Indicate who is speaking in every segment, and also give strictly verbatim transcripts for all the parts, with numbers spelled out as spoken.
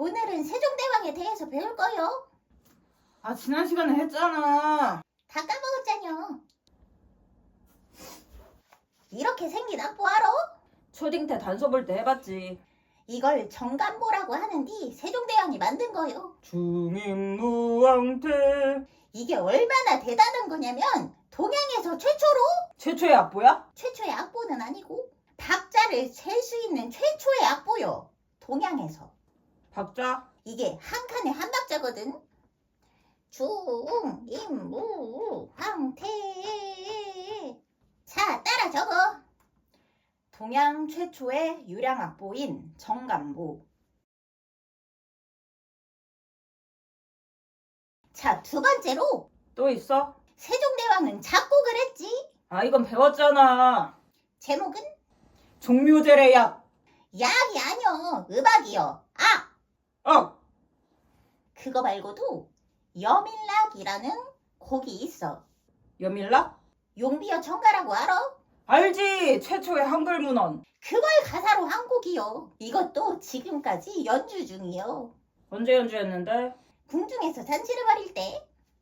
Speaker 1: 오늘은 세종대왕에 대해서 배울 거요.
Speaker 2: 아, 지난 시간에 했잖아.
Speaker 1: 다 까먹었잖여. 이렇게 생긴 악보 알아?
Speaker 2: 초딩 때 단서 볼 때 해봤지.
Speaker 1: 이걸 정간보라고 하는데 세종대왕이 만든 거요.
Speaker 2: 중임무왕태.
Speaker 1: 이게 얼마나 대단한 거냐면 동양에서 최초로,
Speaker 2: 최초의 악보야?
Speaker 1: 최초의 악보는 아니고 박자를 셀 수 있는 최초의 악보요. 동양에서.
Speaker 2: 박자?
Speaker 1: 이게 한 칸에 한 박자거든. 중임무왕태. 자, 따라 적어.
Speaker 2: 동양 최초의 유량 악보인 정간보.
Speaker 1: 자, 두 번째로
Speaker 2: 또 있어?
Speaker 1: 세종대왕은 작곡을 했지.
Speaker 2: 아, 이건 배웠잖아.
Speaker 1: 제목은
Speaker 2: 종묘제례 약.
Speaker 1: 약이 아니여, 음악이여. 아!
Speaker 2: 어!
Speaker 1: 그거 말고도 여밀락이라는 곡이 있어.
Speaker 2: 여밀락?
Speaker 1: 용비어 청가라고 알아?
Speaker 2: 알지! 최초의 한글 문헌.
Speaker 1: 그걸 가사로 한 곡이요. 이것도 지금까지 연주 중이요.
Speaker 2: 언제 연주했는데?
Speaker 1: 궁중에서 잔치를 벌일 때.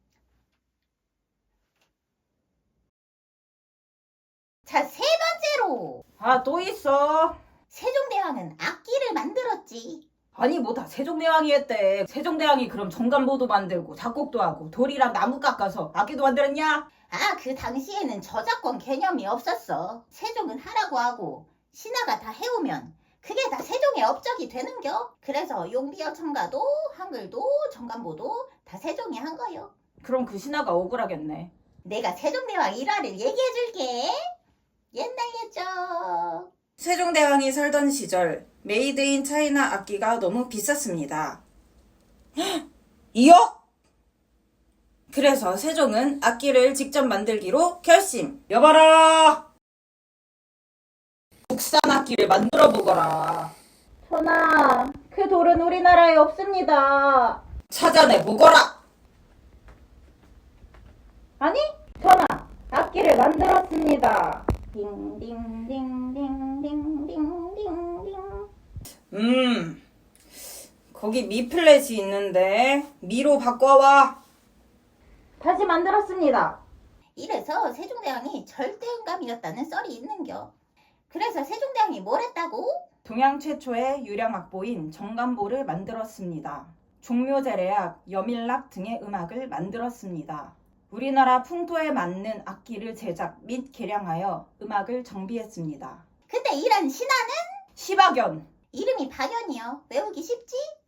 Speaker 1: 자, 세 번째로
Speaker 2: 아, 또 있어.
Speaker 1: 세종대왕은 악기를 만들었지.
Speaker 2: 아니, 뭐 다 세종대왕이 했대. 세종대왕이 그럼 정간보도 만들고 작곡도 하고 돌이랑 나무 깎아서 악기도 만들었냐?
Speaker 1: 아, 그 당시에는 저작권 개념이 없었어. 세종은 하라고 하고 신하가 다 해오면 그게 다 세종의 업적이 되는겨. 그래서 용비어 청가도 한글도 정간보도 다 세종이 한 거요.
Speaker 2: 그럼 그 신하가 억울하겠네.
Speaker 1: 내가 세종대왕 일화를 얘기해줄게. 옛날 옛적
Speaker 2: 세종대왕이 살던 시절 메이드 인 차이나 악기가 너무 비쌌습니다. 이억? 그래서 세종은 악기를 직접 만들기로 결심. 여봐라! 국산 악기를 만들어 보거라.
Speaker 1: 전하, 그 돌은 우리나라에 없습니다.
Speaker 2: 찾아내 보거라.
Speaker 1: 아니, 전하, 악기를 만들었습니다. 딩딩딩딩딩딩딩딩.
Speaker 2: 음, 거기 미 플랫이 있는데 미로 바꿔와.
Speaker 1: 다시 만들었습니다. 이래서 세종대왕이 절대음감이었다는 썰이 있는겨. 그래서 세종대왕이 뭘 했다고?
Speaker 2: 동양 최초의 유령 악보인 정간보를 만들었습니다. 종묘제례악, 여밀락 등의 음악을 만들었습니다. 우리나라 풍토에 맞는 악기를 제작 및 개량하여 음악을 정비했습니다.
Speaker 1: 근데 이런 신하는
Speaker 2: 시박연.
Speaker 1: 이름이 박연이요. 외우기 쉽지?